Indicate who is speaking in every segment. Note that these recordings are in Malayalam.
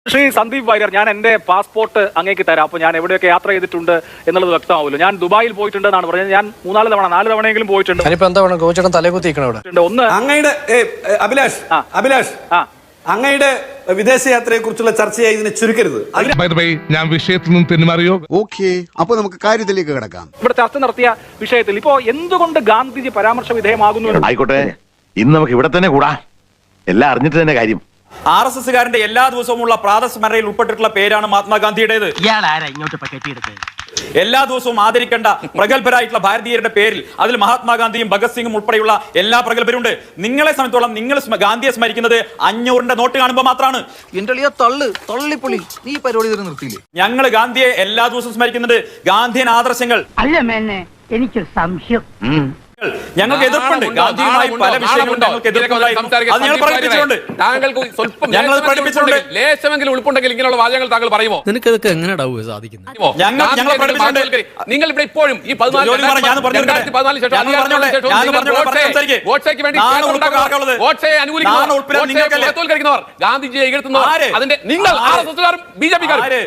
Speaker 1: ശ്രീ സന്ദീപ് വാര്യർ, ഞാൻ എന്റെ പാസ്പോർട്ട് അങ്ങേക്ക് തരാം. അപ്പോൾ ഞാൻ എവിടെയൊക്കെ യാത്ര ചെയ്തിട്ടുണ്ട് എന്നുള്ളത് വ്യക്തമാവുമല്ലോ. ഞാൻ ദുബായിൽ പോയിട്ടുണ്ട് എന്നാണ് പറഞ്ഞത്. ഞാൻ 4 തവണയെങ്കിലും പോയിട്ടുണ്ട്. ഒന്ന്
Speaker 2: അങ്ങയുടെ അഭിലാഷ് അങ്ങയുടെ വിദേശയാത്രയെ കുറിച്ചുള്ള ചർച്ചയായി ഇതിനെ ചുരുക്കരുത്.
Speaker 3: ഞാൻ വിഷയത്തിൽ നിന്ന് തെന്നുമാറിയോ?
Speaker 4: ഓക്കെ, അപ്പൊ നമുക്ക് കാര്യത്തിലേക്ക് കിടക്കാം.
Speaker 1: ഇവിടെ ചർച്ച നടത്തിയ വിഷയത്തിൽ ഇപ്പോ എന്തുകൊണ്ട് ഗാന്ധിജി പരാമർശ വിധേയമാകുന്നു?
Speaker 5: ആയിക്കോട്ടെ, ഇന്ന് നമുക്ക് ഇവിടെ തന്നെ കൂടാ. എല്ലാം അറിഞ്ഞിട്ട് തന്നെ കാര്യം.
Speaker 6: RSSകാരന്റെ എല്ലാ ദിവസവുമുള്ള പ്രാതസ്മരണയിൽ ഉൾപ്പെട്ടിട്ടുള്ള പേരാണ് മഹാത്മാഗാന്ധിയുടേത്. എല്ലാ ദിവസവും ആദരിക്കേണ്ട പ്രഗത്ഭരായിട്ടുള്ള ഭാരതീയരുടെ പേരിൽ അതിൽ മഹാത്മാഗാന്ധിയും ഭഗത് സിംഗും ഉൾപ്പെടെയുള്ള എല്ലാ പ്രഗത്ഭരുണ്ട്. നിങ്ങളെ സംബന്ധിച്ചോളം നിങ്ങൾ ഗാന്ധിയെ സ്മരിക്കുന്നത് 500ന്റെ നോട്ട് കാണുമ്പോൾ മാത്രമാണ്. ഞങ്ങൾ ഗാന്ധിയെ എല്ലാ ദിവസവും സ്മരിക്കുന്നുണ്ട്. ഗാന്ധിയൻ ആദർശങ്ങൾ
Speaker 7: എനിക്ക് സംശയം.
Speaker 6: ഞങ്ങൾക്ക് എതിർപ്പുണ്ട്. ഗാന്ധിയുമായി പല വിഷയങ്ങളും ഞങ്ങൾക്ക് എതിർപ്പുണ്ടായിരുന്നു. അത് ഞങ്ങൾ പ്രകടിപ്പിച്ചിട്ടുണ്ട്. ഞങ്ങൾ പ്രകടിപ്പിച്ചിട്ടുണ്ട്.
Speaker 8: ലേശമെങ്കിലും ഉൾപ്പുണ്ടെങ്കിൽ ഇങ്ങനെയുള്ള വാചകങ്ങൾ താങ്കൾ പറയുമോ?
Speaker 9: നിനക്കതൊക്കെ എങ്ങനെയാ സാധിക്കുന്നത്?
Speaker 6: ഞങ്ങൾ പ്രകടിപ്പിച്ചിട്ടുണ്ട്.
Speaker 8: നിങ്ങൾ ഇവിടെ ഇപ്പോഴും ഈ 2014 ഗാന്ധിജിയെ എതിർക്കുന്നവർ അതിന്റെ നിങ്ങൾ RSSകാരും BJPക്കാരും.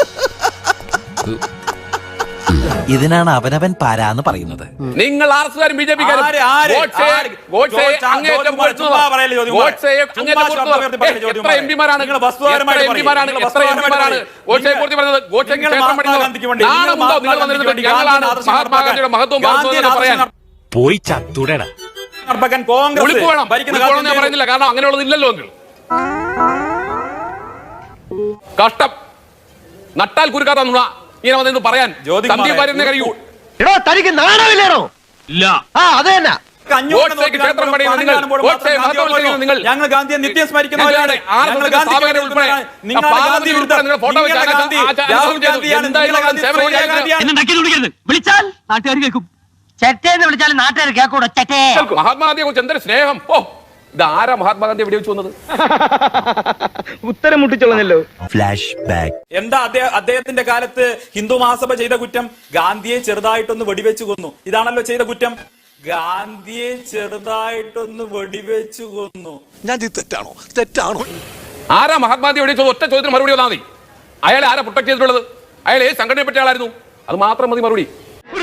Speaker 9: ഇതിനാണ് അവനവൻ പാരാന്ന് പറയുന്നത്.
Speaker 8: നിങ്ങൾ RSSകാരും BJPക്കാരും എത്ര എംപിമാരാണ് മഹാത്മാഗാന്ധിയുടെ മഹത്വം പറയാൻ
Speaker 9: പോയി ചത്തുടേടാ.
Speaker 8: ഞാൻ പറയുന്നില്ല, കാരണം അങ്ങനെയുള്ളത് ഇല്ലല്ലോ. കഷ്ടം, നട്ടാൽ കുരുക്കാത്ത നുണ ഇങ്ങനെ വന്നെന്ന് പറയാൻ സന്ദീപ് വാര്യറിനെ കഴിയൂ.
Speaker 5: തനിക്ക് നാണമില്ലേണോ? ഇല്ല. അത് തന്നെ.
Speaker 6: ഞങ്ങൾ ഗാന്ധിയെ നിത്യം സ്മരിക്കുന്നവരാണ്.
Speaker 7: വിളിച്ചാൽ നാട്ടുകാർ കേൾക്കും. ചെറ്റേന്ന് വിളിച്ചാൽ നാട്ടുകാർ കേൾക്കൂടോ? ചെറ്റേ.
Speaker 8: മഹാത്മാഗാന്ധിയെ കുറിച്ച് എന്തൊരു സ്നേഹം! ഓ, ഇതാരാ മഹാത്മാഗാന്ധി എവിടെ വെച്ച് വന്നത്?
Speaker 1: ഉത്തരം മുട്ടിച്ചോളഞ്ഞല്ലോ.
Speaker 9: Flash back.
Speaker 6: എന്താ അദ്ദേഹത്തിന്റെ കാലത്ത് ഹിന്ദു മഹാസഭ ചെയ്ത കുറ്റം? ഗാന്ധിയെ ചെറുതായിട്ടൊന്ന് വെടിവെച്ചു കൊന്നു. ഇതാണല്ലോ ചെയ്ത കുറ്റം. ഗാന്ധിയെ ചെറുതായിട്ടൊന്ന് വെടിവെച്ചു കൊന്നു.
Speaker 4: തെറ്റാണോ?
Speaker 8: ആരാ മഹാത്മാഗാന്ധി എവിടെ വെച്ചത്? ഒറ്റ ചോദ്യത്തിന് മറുപടി വന്നാൽ മതി. അയാളെ ആരാ പ്രൊട്ടക്ട് ചെയ്തിട്ടുള്ളത്? അയാൾ ഏത് സംഘടനയെ പറ്റിയ ആളായിരുന്നു? അത് മാത്രം മതി മറുപടി.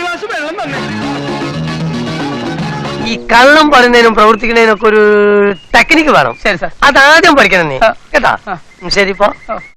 Speaker 7: ഈ കള്ളം പറയുന്നതിനും പ്രവർത്തിക്കുന്നതിനും ഒക്കെ ഒരു ടെക്നിക്ക് വേണം. ശരി സാർ, അതാദ്യം പഠിക്കണം നീ കേട്ടാ. ശരി ഇപ്പൊ